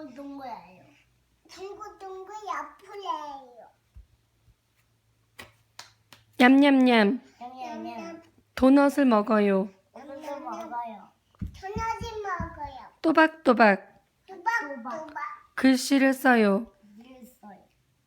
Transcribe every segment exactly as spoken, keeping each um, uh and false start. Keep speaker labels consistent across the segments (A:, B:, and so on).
A: 둥글둥글해요. 둥글둥글 야풀해요.
B: 냠냠냠.
A: 냠냠냠.
B: 도넛을 먹어요.
A: 도넛을 먹어요. 도넛을 먹어요.
B: 또박또박.
A: 또박또박.
B: 글씨를 써요.
A: 있어요.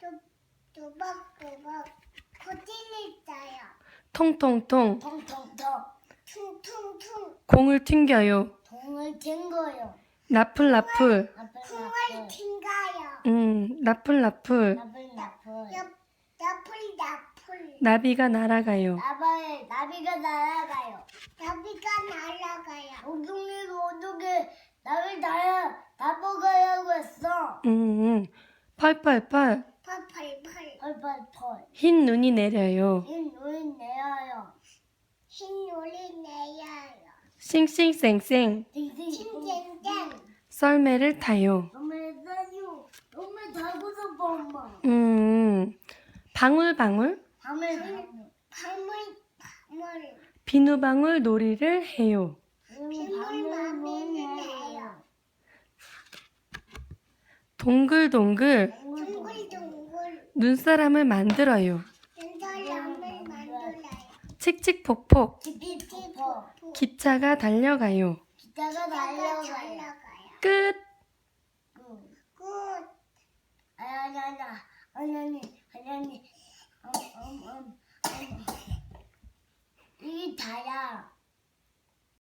A: 또박또박. 고지를 써요.
B: 통통통.
A: 통통통. 퉁퉁퉁.
B: 공을 튕겨요.
A: 동을 튕겨요.
B: 나풀나풀.
A: 콩을 튕겨요.
B: 음, 나풀나풀.
A: 나풀 나풀. 나풀 나풀.
B: 나비가 날아가요.
A: 나비 나비가 날아가요. 나비가 날아가요. 엉덩이가 어떻게 나비 날아 나보가라고 했어.
B: 음, 음. 펄펄펄.
A: 펄펄펄. 펄펄펄.
B: 흰 눈이 내려요.
A: 흰 눈이 내려요. 흰 눈이 내려요.
B: 싱싱쌩쌩.
A: 칭칭칭.
B: 썰매를 타요.
A: 엄마 사요. 엄마 자고 싶어 엄마.
B: 음, 방울방울.
A: 밤을 밤을 밤을
B: 비누방울 놀이를 해요.
A: 빗물 마비는 해요.
B: 동글동글
A: 둥글둥글
B: 눈사람을 만들어요.
A: 연사람을 만들어요.
B: 칙칙폭폭
A: 찌찌찌
B: 기차가 달려가요.
A: 기차가 달려가요.
B: 끝.